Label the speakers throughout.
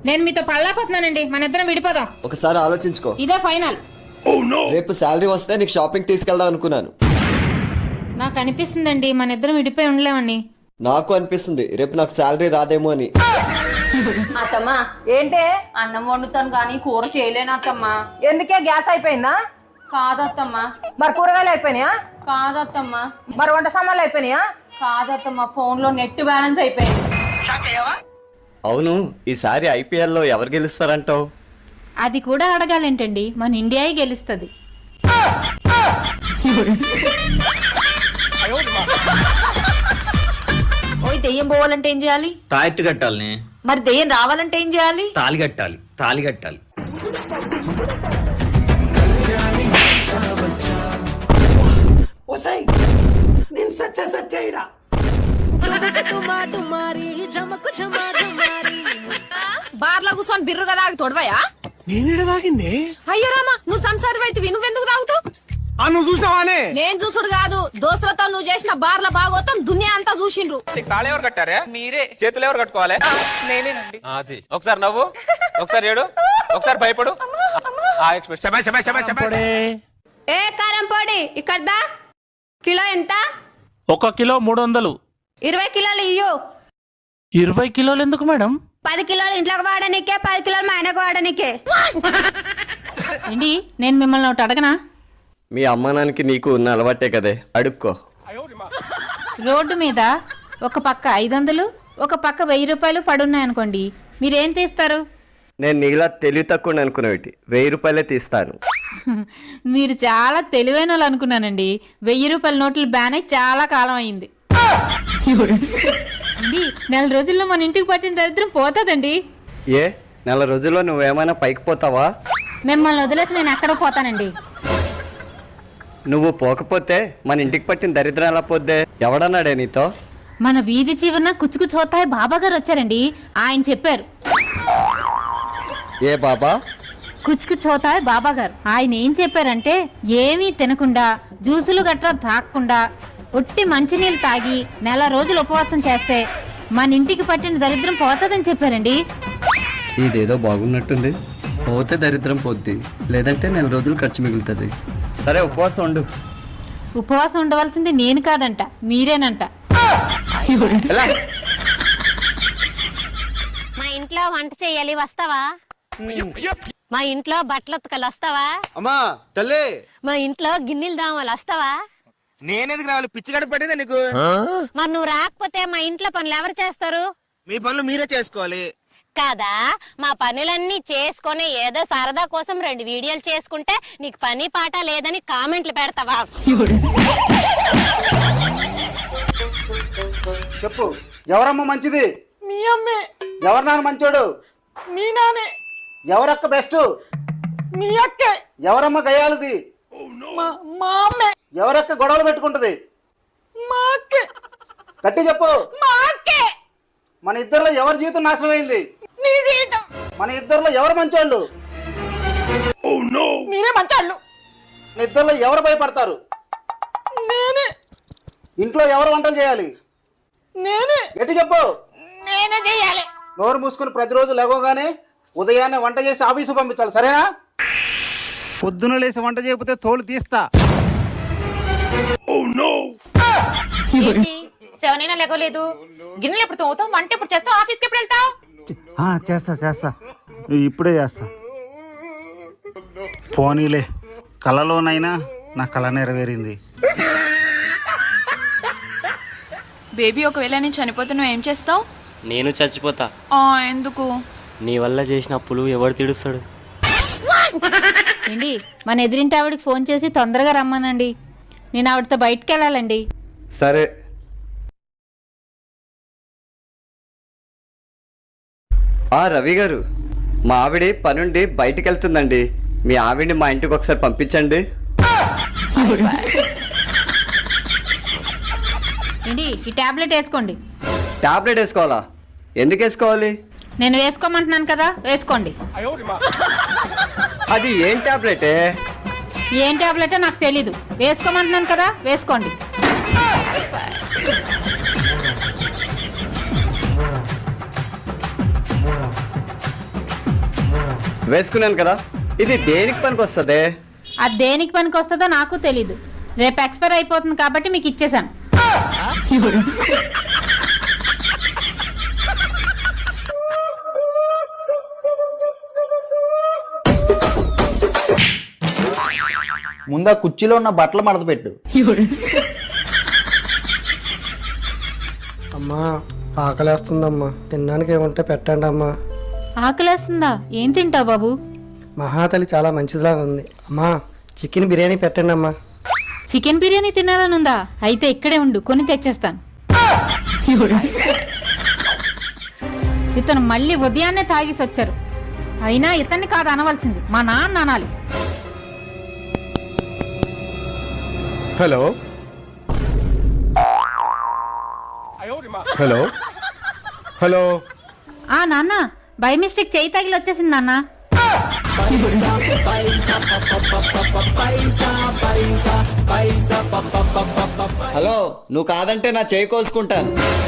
Speaker 1: నేను మీతో పళ్ళాపోతున్నానండి, మన ఇద్దరం విడిపోదాం.
Speaker 2: ఒకసారి ఆలోచించుకో.
Speaker 1: ఇదే ఫైనల్.
Speaker 2: రేపు శాలరీ వస్తే నీకు షాపింగ్ తీసుకెళ్దాం అనుకున్నాను.
Speaker 1: నాకు అనిపిస్తుందండి మన ఇద్దరం విడిపోయి ఉండలేమండి.
Speaker 2: నాకు అనిపిస్తుంది రేపు నాకు శాలరీ రాదేమో అని.
Speaker 3: అత్తమ్మా ఏంటే అన్నం వండుతాను గాని కూర చేయలేను అత్తమ్మా.
Speaker 4: ఎందుకే గ్యాస్ అయిపోయిందా?
Speaker 3: కాదత్తమ్మా.
Speaker 4: మరి కూరగాయలు అయిపోయినాయా?
Speaker 3: కాదత్తమ్మా.
Speaker 4: మరి వంట సామాన్లు అయిపోయినాయా?
Speaker 3: కాదత్తమ్మా, ఫోన్ లో నెట్ బ్యాలెన్స్ అయిపోయింది.
Speaker 5: అవును, ఈసారి ఐపీఎల్ లో ఎవరు గెలుస్తారంటావు?
Speaker 1: అది కూడా అడగాలేంటండి, మన ఇండియాయే గెలుస్తుంది.
Speaker 6: ఓయ్, దెయ్యం పోవాలంటే ఏం చేయాలి?
Speaker 7: తాయెత్తు కట్టాలని.
Speaker 6: మరి దెయ్యం రావాలంటే ఏం చేయాలి?
Speaker 7: తాళి కట్టాలి, తాళి కట్టాలి.
Speaker 4: బార్లో కూర్చొని బిర్రుగా తాగి తొడవయా?
Speaker 8: నేనేడ తాగింది?
Speaker 4: అయ్యో రామా, నువ్వు సంసారం అయితే నువ్వెందుకు తాగుతావు?
Speaker 8: నువ్వు చూసినావానే?
Speaker 4: నేను చూసుడు కాదు, దోస్తులతో నువ్వు చేసిన బార్ల భాగవతం దునియా అంతా చూసిండ్రు.
Speaker 9: తాళి ఎవరు కట్టారే? మీరే. చేతులు ఎవరు కట్టుకోవాలి? నేనేనండి. అది ఒకసారి నవ్వు, ఒకసారి ఏడు, ఒకసారి భయపడు.
Speaker 3: ఏ కారం పొడి ఇక్కడ కిలో ఎంత?
Speaker 8: 1 కిలో 300.
Speaker 3: 20 కిలోలు ఇయ్యు.
Speaker 8: 20 కిలోలు ఎందుకు మేడం?
Speaker 3: 10 కిలోలు ఇంట్లోకి వాడనికే, 10 కిలోలు మా ఆయనకు వాడనికే.
Speaker 1: ఏంటి, నేను మిమ్మల్ని ఒకటి అడగనా?
Speaker 5: మీ అమ్మానానికి నీకు ఉన్న అలవాటే కదే, అడుక్కో.
Speaker 1: రోడ్డు మీద ఒక పక్క 500, ఒక పక్క 1000 రూపాయలు పడున్నాయనుకోండి, మీరేం తీస్తారు?
Speaker 5: నేను నీలా తెలివి తక్కువ అనుకునేవి 1000 రూపాయలే తీస్తాను.
Speaker 1: మీరు చాలా తెలివైన వాళ్ళు అనుకున్నానండి. 1000 రూపాయల నోట్లు బ్యాన్ అయి చాలా కాలం అయింది. అండి, నెల రోజుల్లో మన ఇంటికి పట్టిన దరిద్రం పోతుందండి.
Speaker 5: ఏ నెల రోజుల్లో నువ్వేమైనా పైకి పోతావా?
Speaker 1: మిమ్మల్ని వదిలేసి నేను ఎక్కడో పోతానండి.
Speaker 5: నువ్వు పోకపోతే మన ఇంటికి పట్టిన దరిద్రం ఎలా పోద్దే? ఎవడన్నాడే నీతో?
Speaker 1: మన వీధి చివరన కుచ్చుకుచ్చు హోతాయి బాబా గారు వచ్చారండి. ఆయన చెప్పారు.
Speaker 5: ఏ బాబా?
Speaker 1: కుచ్చుకుచ్చు హోతాయి బాబా గారు. ఆయన ఏం చెప్పారంటే, ఏమీ తినకుండా జ్యూసులు గట్రా తాగకుండా ఒట్టి మంచినీళ్ళు తాగి నెల రోజులు ఉపవాసం చేస్తే మన ఇంటికి పట్టిన దరిద్రం పోతుందని చెప్పారండి.
Speaker 5: ఇదేదో బాగున్నట్టుంది. పోతే దరిద్రం పోద్ది, లేదంటే నెల రోజులు ఖర్చు మిగులుతుంది. సరే, ఉపవాసం ఉండు.
Speaker 1: ఉపవాసం ఉండవలసింది నేను కాదంట, మీరేనంట.
Speaker 3: మా ఇంట్లో వంట చెయ్యాలి, వస్తావా? మా ఇంట్లో బట్టలు ఉతకాలి, వస్తావా?
Speaker 2: అమ్మా తల్లి,
Speaker 3: మా ఇంట్లో గిన్నెలు దామాలి, వస్తావా?
Speaker 9: నేనెందుకు రావాలి? పిచ్చి గడ పట్టిందా నీకు?
Speaker 3: మరి నువ్వు రాకపోతే మా ఇంట్లో పనులు ఎవరు చేస్తారు?
Speaker 9: మీ పనులు మీరే చేసుకోవాలి
Speaker 3: కదా. మా పనులన్నీ చేసుకొని ఏదో సరదా కోసం 2 వీడియోలు చేసుకుంటే నీకు పని పాట లేదని కామెంట్లు పెడతావా?
Speaker 10: చెప్పు, ఎవరమ్మ మంచిది?
Speaker 6: మీ అమ్మే.
Speaker 10: ఎవరు నాన్న మంచోడు?
Speaker 6: మీ నానే.
Speaker 10: ఎవరక్క బెస్ట్?
Speaker 6: మీ అక్కే.
Speaker 10: ఎవరమ్మ గయాలది?
Speaker 6: మా అమ్మే.
Speaker 10: ఎవరక్క గొడవలు పెట్టుకుంటది?
Speaker 6: మా అక్కే.
Speaker 10: గట్టి చెప్పు.
Speaker 6: మా అక్కే.
Speaker 10: మన ఇద్దరిలో ఎవరి జీవితం నాశనం అయింది?
Speaker 6: నీ జీవితం.
Speaker 10: మన ఇద్దరిలో ఎవరు మంచోళ్ళు?
Speaker 6: మీరే మంచాళ్ళు.
Speaker 10: మన ఇద్దరిలో ఎవరు భయపడతారు?
Speaker 6: నేనే.
Speaker 10: ఇంట్లో ఎవరు వంటలు చేయాలి?
Speaker 6: నేనే.
Speaker 10: గట్టి చెప్పు.
Speaker 6: నేనే చేయాలి.
Speaker 10: నోరు మూసుకుని ప్రతిరోజు లేవగానే ఉదయాన్నే వంట చేసి ఆఫీసు పంపించాలి, సరేనా? పొద్దున లేసి వంట చేయకపోతే తోలు తీస్తా.
Speaker 6: సెవెనైనా లేకోలేదు. గిన్నెలు ఎప్పుడు తోగుతావు? వంట ఎప్పుడు చేస్తావు? ఆఫీస్కి ఎప్పుడు వెళ్తావు?
Speaker 10: చేస్తా ఇప్పుడే చేస్తా. పోనీలే, కలలోనైనా నా కళ నెరవేరింది.
Speaker 11: బేబీ, ఒకవేళ నేను చనిపోతే నువ్వు ఏం చేస్తావు?
Speaker 7: నేను చచ్చిపోతా.
Speaker 11: ఎందుకు?
Speaker 7: నీ వల్ల చేసిన అప్పులు ఎవరు తీడుస్తాడు?
Speaker 1: ఏంటి, మన ఎదిరింటి ఆవిడకి ఫోన్ చేసి తొందరగా రమ్మనండి. నేను ఆవిడతో బయటకు వెళ్ళాలండి.
Speaker 5: సరే. రవి గారు, మా ఆవిడ పనుండి బయటికి వెళ్తుందండి. మీ ఆవిడ్ని మా ఇంటికి ఒకసారి పంపించండి.
Speaker 1: ఏంటి, ఈ టాబ్లెట్ వేసుకోండి.
Speaker 5: టాబ్లెట్ వేసుకోవాలా? ఎందుకు వేసుకోవాలి?
Speaker 1: నేను వేసుకోమంటున్నాను కదా, వేసుకోండి.
Speaker 5: అది ఏం టాబ్లెటే?
Speaker 1: ఏం టాబ్లెటో నాకు తెలీదు, వేసుకోమంటున్నాను కదా, వేసుకోండి.
Speaker 5: వేసుకున్నాను కదా, ఇది దేనికి పనికి వస్తుంది?
Speaker 1: అది దేనికి పనికి వస్తుందో నాకు తెలీదు. రేపు ఎక్స్పైర్ అయిపోతుంది కాబట్టి మీకు ఇచ్చేసాను.
Speaker 10: ముందా కుర్చీలో ఉన్న బట్టలు మడత పెట్టు.
Speaker 5: అమ్మా ఆకలేస్తుందమ్మా, తినడానికి ఏముంటే పెట్టండి అమ్మా.
Speaker 1: ఆకలేస్తుందా? ఏం తింటావు బాబు?
Speaker 5: మహాతలి చాలా మంచిదిలా ఉంది అమ్మా, చికెన్ బిర్యానీ పెట్టండి అమ్మా.
Speaker 1: చికెన్ బిర్యానీ తినాలనుందా? అయితే ఇక్కడే ఉండు, కొని తెచ్చేస్తాను. ఇతను మళ్ళీ ఉదయాన్నే తాగేసి వచ్చారు. అయినా ఇతన్ని కాదు అనవలసింది, మా నాన్న అనాలి.
Speaker 5: Hello hello hello.
Speaker 1: ఆ నాన్న, బై మిస్టేక్ చేయి తగిలి వచ్చేసింది నాన్న.
Speaker 2: హలో, నువ్వు కాదంటే నా చేయి కోసుకుంటాను.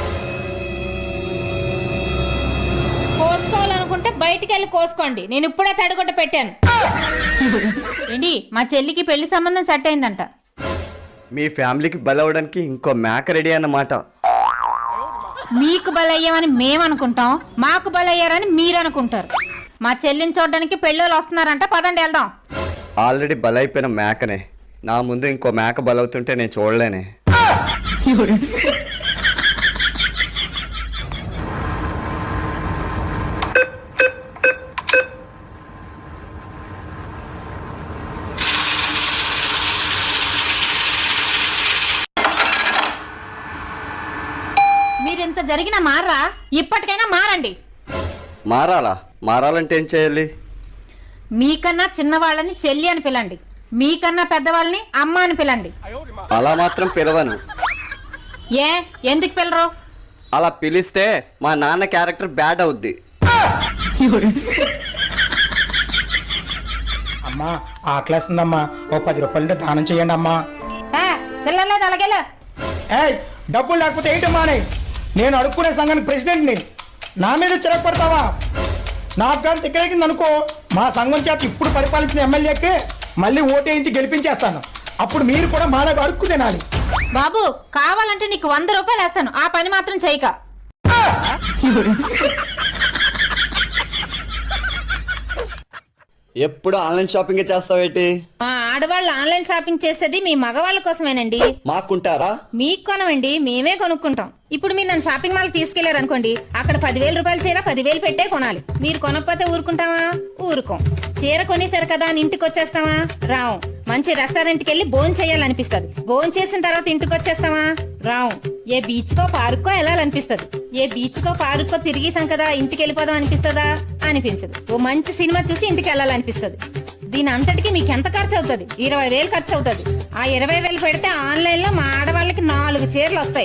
Speaker 1: కోసుకోవాలనుకుంటే బయటికి వెళ్ళి కోసుకోండి, నేను ఇప్పుడే తడిగొట్ట పెట్టాను. ఏంటి, మా చెల్లికి పెళ్లి సంబంధం సెట్ అయిందంట.
Speaker 5: మీ ఫ్యామిలీకి బలవడానికి ఇంకో మేక రెడీ అన్నమాట.
Speaker 1: మీకు బలయ్యామని మేమనుకుంటాం, మాకు బలయ్యారని మీరు అనుకుంటారు. మా చెల్లిని చూడడానికి పెళ్ళోళ్ళు వస్తున్నారంట, పదండి వెళ్దాం.
Speaker 5: ఆల్రెడీ బలైపోయిన మేకనే, నా ముందు ఇంకో మేక బలవుతుంటే నేను చూడలేనే.
Speaker 1: మీరింత జరిగిన మారా, ఇప్పటికైనా మారండి.
Speaker 5: మారాలా? మారాలంటే ఏం చేయాలి?
Speaker 1: మీకన్నా చిన్నవాళ్ళని చెల్లి అని పిలండి, మీకన్నా పెద్దవాళ్ళని అమ్మ అని పిలండి.
Speaker 5: అలా మాత్రం పిలవను.
Speaker 1: ఏ, ఎందుకు పిలరు?
Speaker 5: అలా పిలిస్తే మా నాన్న క్యారెక్టర్ బ్యాడ్ అవుద్ది.
Speaker 10: అమ్మా ఆకలేస్తుందమ్మా, ఓ 10 రూపాయలు దానం చేయండి అమ్మా.
Speaker 1: చిల్లలేదు, అలాగేలే.
Speaker 10: ఏయ్, డబ్బులు లేకపోతే ఏంటమ్మా? నేను అడుక్కునే సంఘానికి ప్రెసిడెంట్ని, నా మీద చిరగపడతావా? నాకు కానీ తిక్కరేకింది అనుకో, మా సంఘం చేత ఇప్పుడు పరిపాలించిన ఎమ్మెల్యేకి మళ్ళీ ఓటేయించి గెలిపించేస్తాను. అప్పుడు మీరు కూడా మాలాగా అడుక్కు తినాలి.
Speaker 1: బాబు, కావాలంటే నీకు 100 రూపాయలు వేస్తాను, ఆ పని మాత్రం చేయక.
Speaker 2: ఎప్పుడు ఆన్లైన్ షాపింగ్ చేస్తావేటి?
Speaker 1: మా ఆడవాళ్ళు ఆన్లైన్ షాపింగ్ చేసేది మీ మగవాళ్ళ కోసమేనండి.
Speaker 2: మాకుంటారా?
Speaker 1: మీకు కొనవండి, మేమే కొనుక్కుంటాం. ఇప్పుడు మీరు నన్ను షాపింగ్ మాల్ తీసుకెళ్లారు అనుకోండి, అక్కడ 10,000 రూపాయల చీర 10,000 పెట్టే కొనాలి. మీరు కొనకపోతే ఊరుకుంటావా? ఊరుకోం. చీర కొనేసారు కదా అని ఇంటికి వచ్చేస్తావా? రావు. మంచి రెస్టారెంట్కి వెళ్ళి భోజనం చేయాలనిపిస్తుంది. భోజనం చేసిన తర్వాత ఇంటికి వచ్చేస్తావా? రావు. ఏ బీచ్ కో పార్క్ కో వెళ్ళాలనిపిస్తుంది. ఏ బీచ్ కో పార్క్ కో తిరిగేసాం కదా ఇంటికి వెళ్ళిపోదాం అనిపిస్తుందా? అనిపించదు. ఓ మంచి సినిమా చూసి ఇంటికి వెళ్ళాలనిపిస్తుంది. దీని అంతటికి మీకు ఎంత ఖర్చు అవుతుంది? 20,000 ఖర్చు అవుతుంది. ఆ 20,000 పెడితే ఆన్లైన్ లో మా ఆడవాళ్ళకి 4 చీరలు వస్తాయి.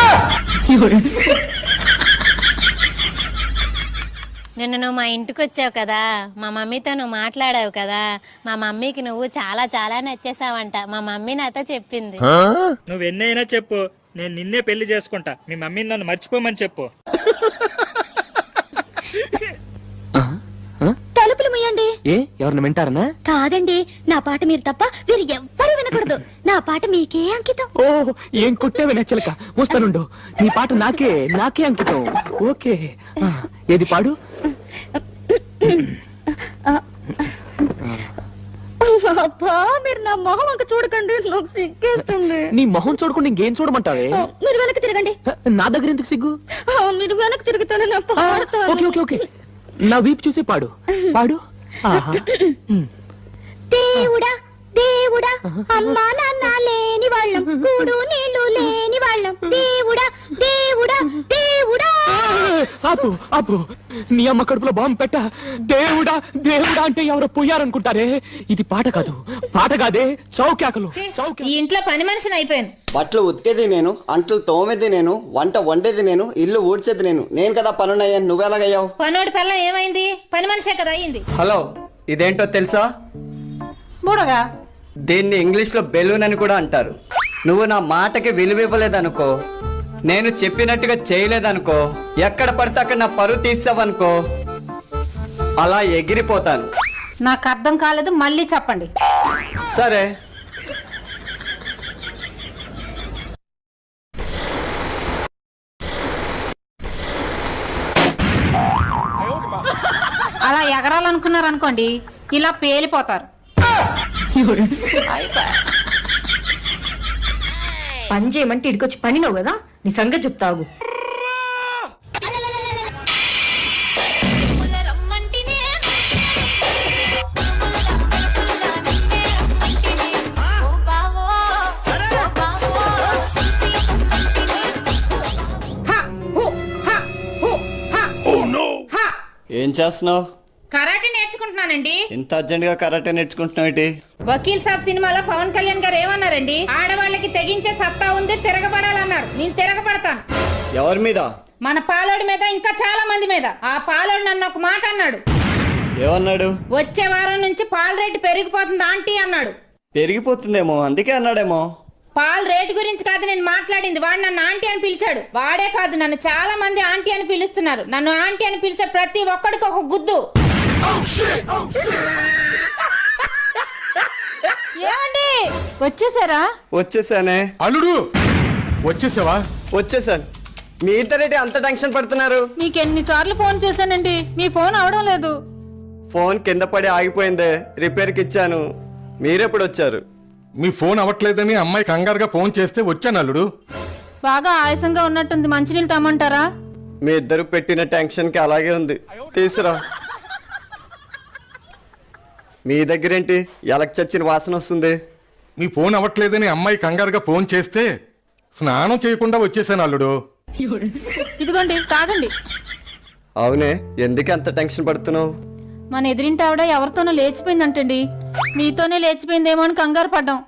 Speaker 3: నిన్న నువ్వు మా ఇంటికి వచ్చావు కదా, మా మమ్మీతో నువ్వు మాట్లాడావు కదా, మా మమ్మీకి నువ్వు చాలా చాలా నచ్చేసావంట. మా మమ్మీ నాతో చెప్పింది.
Speaker 8: నువ్వు ఎన్నైనా చెప్పు, నేను నిన్నే పెళ్లి చేసుకుంటా. మీ మమ్మీని నన్ను మర్చిపోమని చెప్పు.
Speaker 4: తలుపులు ముయ్యండి.
Speaker 8: ఏ, ఎవరిని వింటారనా?
Speaker 4: కాదండి, నా పాట మీరు తప్ప మీరు ఎవ్వరూ వినకూడదు. నా పాట మీకే అంకితం.
Speaker 8: ఓ, ఏం కొట్టేవి నచ్చలక. వస్తానుండు, నీ పాట నాకే అంకితం. ఓకే, ఏది పాడు.
Speaker 4: అబ్బా, మీరు నా మొహం అంక చూడకండి, నాకు సిగ్గేస్తుంది.
Speaker 8: నీ మొహం చూడకుండా ఇంకేం చూడమంటావే?
Speaker 4: మీరు వెనక్కి తిరగండి.
Speaker 8: నా దగ్గర ఎందుకు సిగ్గు?
Speaker 4: మీరు వెనక్కి తిరుగుతాను, నా పాడతాను.
Speaker 8: ఓకే ఓకే ఓకే, నా వీపు చూసి పాడు పాడు. ఆహా.
Speaker 4: దేవుడా దేవుడా, అమ్మా నాన్న లేని వాళ్ళం, కూడు నీళ్లు లేని వాళ్ళం. దేవుడా దేవుడా దేవుడా.
Speaker 8: ఆపు ఆపు, నీ అమ్మ కడుపులో బాంబు పెట్ట. దేవుడా దేవుడా అంటే ఎవరో పోయారనుకుంటారే. ఇది పాట కాదు, పాట కాదే, చౌకాకలు.
Speaker 1: ఈ ఇంట్లో పని మనిషిని అయిపోయాను.
Speaker 2: బట్టలు ఉతికేది నేను, అంట్లు తోమేది నేను, వంట వండేది నేను, ఇల్లు ఊడ్చేది నేను. నేను కదా పనునయ్యాను, నువ్వెలాగయ్యావు?
Speaker 1: పనోడి పిల్లం ఏమైంది? పని మనిషే కదా అయింది.
Speaker 5: హలో, ఇదేంటో తెలుసా?
Speaker 1: బుడగా,
Speaker 5: దీన్ని ఇంగ్లీష్ లో బెలూన్ అని కూడా అంటారు. నువ్వు నా మాటకి విలువివ్వలేదనుకో, నేను చెప్పినట్టుగా చేయలేదనుకో, ఎక్కడ పడితే అక్కడ నా పరువు తీసావనుకో, అలా ఎగిరిపోతాను.
Speaker 1: నాకు అర్థం కాలేదు, మళ్ళీ చెప్పండి.
Speaker 5: సరే,
Speaker 1: అలా ఎగరాలనుకున్నారు అనుకోండి, ఇలా పేలిపోతారు.
Speaker 12: పని చేయమంటే ఇడికొచ్చి పనినావు కదా, నీ సంగతి చెప్తావు.
Speaker 2: ఏం చేస్తున్నావు?
Speaker 1: కరాటే నేర్చుకుంటున్నానండి.
Speaker 2: ఇంత అర్జెంట్ గా కరాటే నేర్చుకుంటున్నావు ఏంటి?
Speaker 1: వకీల్ సాబ్ సినిమాలో పవన్ కళ్యాణ్ గారు ఏమన్నారండి? ఆడవాళ్ళకి తెగించే సత్తా ఉంది, తిరగబడాలన్నారు. నేను తిరగబడతాను.
Speaker 2: ఎవరి మీద?
Speaker 1: మన పాలోడి మీద, ఇంకా చాలా మంది మీద. ఆ పాలోడు నన్ను ఒక మాట అన్నాడు.
Speaker 2: ఏమన్నాడు?
Speaker 1: వచ్చే వారం నుంచి పాల రేటు పెరిగిపోతుంది ఆంటీ అన్నాడు.
Speaker 2: పెరిగిపోతుందేమో అందుకే అన్నాడేమో.
Speaker 1: పాల రేటు గురించి కాదు నేను మాట్లాడింది. వాడు నన్ను ఆంటీ అని పిలిచాడు. వాడే కాదు, నన్ను చాలా మంది ఆంటీ అని పిలుస్తున్నారు. నన్ను ఆంటీ అని పిలిచే ప్రతి ఒక్కడికి ఒక గుద్దు. ఏమండి వచ్చేసారా?
Speaker 5: వచ్చేసానే.
Speaker 10: అల్లుడు వచ్చేసావా?
Speaker 5: వచ్చేసాను. మీ ఇద్దరేంటి అంత టెన్షన్ పడుతున్నారు?
Speaker 1: మీకు ఎన్నిసార్లు ఫోన్ చేశానండి, మీ ఫోన్ అవడం లేదు.
Speaker 5: ఫోన్ కింద పడి ఆగిపోయిందే, రిపేర్కి ఇచ్చాను. మీరెప్పుడు వచ్చారు?
Speaker 10: మీ ఫోన్ అవ్వట్లేదని అమ్మాయి కంగారుగా ఫోన్ చేస్తే వచ్చాను అల్లుడు.
Speaker 1: బాగా ఆయాసంగా ఉన్నట్టుంది, మంచినీళ్ళు తమ్మంటారా?
Speaker 5: మీ ఇద్దరు పెట్టిన టెన్షన్కి అలాగే ఉంది, తీసురా. మీ దగ్గరేంటి ఎలక్ చచ్చిన వాసన వస్తుంది?
Speaker 10: మీ ఫోన్ అవ్వట్లేదని అమ్మాయి కంగారుగా ఫోన్ చేస్తే స్నానం చేయకుండా వచ్చేసాను అల్లుడు.
Speaker 1: ఇదిగోండి తాగండి.
Speaker 5: అవునే, ఎందుకు అంత టెన్షన్ పడుతున్నావు?
Speaker 1: మన ఎదిరింటి ఆవిడ ఎవరితోనో లేచిపోయిందంటండి. మీతోనే లేచిపోయిందేమో అని కంగారు పడ్డాం.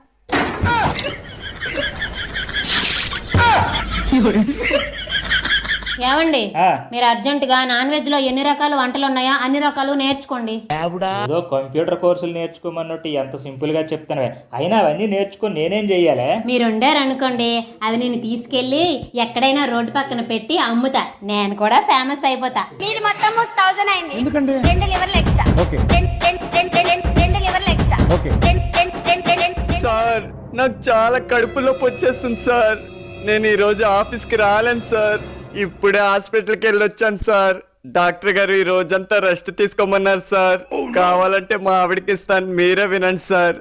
Speaker 3: ఏమండి, మీరు అర్జెంట్ గా నాన్ వెజ్ లో ఎన్ని రకాల వంటలు ఉన్నాయో అన్ని రకాలు నేర్చుకోండి.
Speaker 8: ఏదో కంప్యూటర్ కోర్సులు నేర్చుకోమన్నట్టు ఎంత సింపుల్ గా చెప్తాను. అయినా అవన్నీ నేర్చుకొని నేనేం చెయ్యాలి?
Speaker 3: మీరు ఉండారనుకోండి, అవి నేను తీసుకెళ్లి ఎక్కడైనా రోడ్డు పక్కన పెట్టి అమ్ముతా. నేను కూడా ఫేమస్ అయిపోతా.
Speaker 4: మీది మొత్తం 1000 అయింది. 2 లివర్లు ఎక్స్ట్రా. 2 లివర్లు ఎక్స్ట్రా.
Speaker 5: సార్, నాకు చాలా కడుపు నొప్పి వచ్చేస్తుంది సార్. నేను ఈ రోజు ఆఫీస్కి రాలేను సార్. ఇప్పుడే హాస్పిటల్కి వెళ్ళొచ్చాను సార్. డాక్టర్ గారు ఈ రోజంతా రెస్ట్ తీసుకోమన్నారు సార్. కావాలంటే మా ఆవిడకి ఇస్తాను, మీరే వినండి సార్.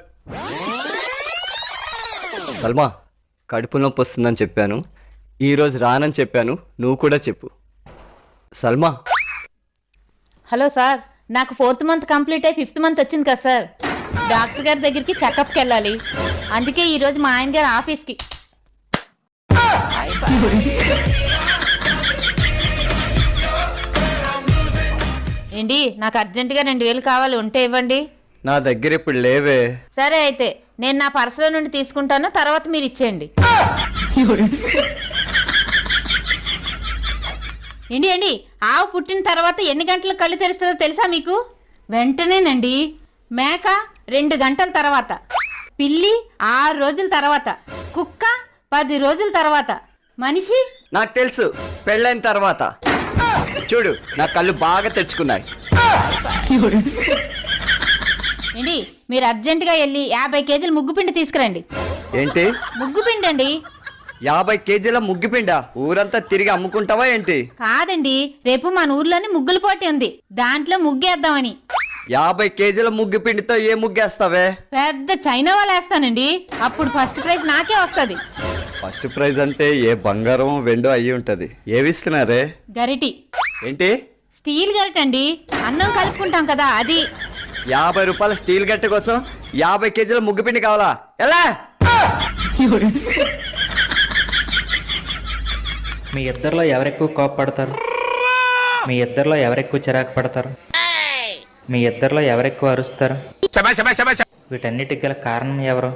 Speaker 5: సల్మా, కడుపు నొప్పి వస్తుందని చెప్పాను, ఈ రోజు రానని చెప్పాను, నువ్వు కూడా చెప్పు. సల్మా.
Speaker 1: హలో సార్, నాకు 4th మంత్ కంప్లీట్ అయ్యి 5th మంత్ వచ్చింది కదా సార్. డాక్టర్ గారి దగ్గరికి చెకప్కి వెళ్ళాలి. అందుకే ఈ రోజు మా ఆయన గారు ఆఫీస్కి. ఏంటి, నాకు అర్జెంటుగా 2000 కావాలి, ఉంటే ఇవ్వండి.
Speaker 5: నా దగ్గర ఇప్పుడు లేవే.
Speaker 1: సరే అయితే నేను నా పర్సులో నుండి తీసుకుంటాను, తర్వాత మీరు ఇచ్చేయండి. ఏంటి ఆవు పుట్టిన తర్వాత ఎన్ని గంటలకు కళ్ళు తెరుస్తుందో తెలుసా మీకు? వెంటనేనండి. మేక 2 గంటల తర్వాత, పిల్లి 6 రోజుల తర్వాత, కుక్క 10 రోజుల తర్వాత, మనిషి
Speaker 5: నాకు తెలుసు, పెళ్ళైన తర్వాత. చూడు, నా కళ్ళు బాగా తెచ్చుకున్నాయి.
Speaker 1: ఏంటి, మీరు అర్జెంటుగా వెళ్ళి 50 కేజీల ముగ్గుపిండి తీసుకురండి.
Speaker 5: ఏంటి?
Speaker 1: ముగ్గుపిండి అండి.
Speaker 5: 50 కేజీల ముగ్గిపిండా? ఊరంతా తిరిగి అమ్ముకుంటావా ఏంటి?
Speaker 1: కాదండి, రేపు మన ఊర్లోని ముగ్గుల పోటీ ఉంది, దాంట్లో ముగ్గేద్దామని.
Speaker 5: 50 కేజీల ముగ్గిపిండితో ఏ ముగ్గేస్తావే?
Speaker 1: పెద్ద చైనా వాళ్ళు వేస్తానండి, అప్పుడు ఫస్ట్ ప్రైజ్ నాకే వస్తుంది.
Speaker 5: ఫస్ట్ ప్రైజ్ అంటే ఏ బంగారం వెండో అయ్యి ఉంటది. ఏవిస్తున్నారే?
Speaker 1: గరిటి.
Speaker 5: ఏంటి?
Speaker 1: స్టీల్ గరిట అండి, అన్నం కలుపుకుంటాం కదా అది.
Speaker 5: 50 రూపాయల స్టీల్ గట్ట కోసం 50 కేజీల ముగ్గుపిండి కావాలా? ఎలా?
Speaker 7: మీ ఇద్దరిలో ఎవరెక్కువ కోపపడతారు? మీ ఇద్దరిలో ఎవరెక్కువ చిరాకు పడతారు? మీ ఇద్దరిలో ఎవరెక్కువ అరుస్తారు? వీటన్నిటికి గల కారణం ఎవరు?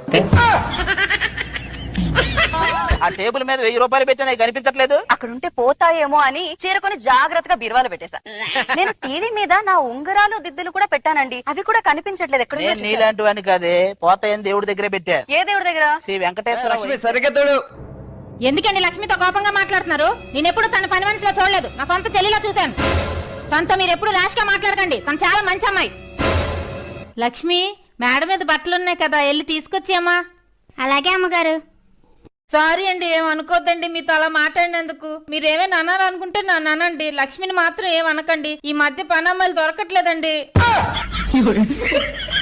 Speaker 6: ఆ టేబుల్ మీద 1000 రూపాయలు పెట్టినా కనిపించట్లేదు.
Speaker 12: అక్కడుంటే పోతాయేమో అని చీరకొని జాగ్రత్తగా బీరువాలో పెట్టేశా. నేను టీవీ మీద నా ఉంగరాలు దిద్దులు కూడా పెట్టానండి, అవి కూడా కనిపించట్లేదు. ఎక్కడ
Speaker 6: నేను నీలాంటి వాడిని కాదే, పోతాయని దేవుడి దగ్గరే పెట్టా.
Speaker 12: ఏ దేవుడి దగ్గర?
Speaker 6: శ్రీ వెంకటేశ్వర.
Speaker 5: లక్ష్మి సరిగ్గా తోడు.
Speaker 1: ఎందుకండి లక్ష్మితో కోపంగా మాట్లాడుతున్నారు? నేను ఎప్పుడు తన పని మనిషిలో చూడలేదు, నా సొంత చెల్లిలో చూశాను. తనతో మీరు ఎప్పుడు ర్యాష్ గా మాట్లాడకండి, తను చాలా మంచి అమ్మాయి. లక్ష్మి, మేడ మీద బట్టలు ఉన్నాయి కదా, వెళ్ళి తీసుకొచ్చామా.
Speaker 4: అలాగే అమ్మగారు.
Speaker 1: సారీ అండి, ఏమనుకోద్దండి మీతో అలా మాట్లాడినందుకు. మీరేమైనా అనాలనుకుంటే నన్ను అనండి, లక్ష్మిని మాత్రం ఏమనకండి. ఈ మధ్య పనమ్మాయిలు దొరకట్లేదండి.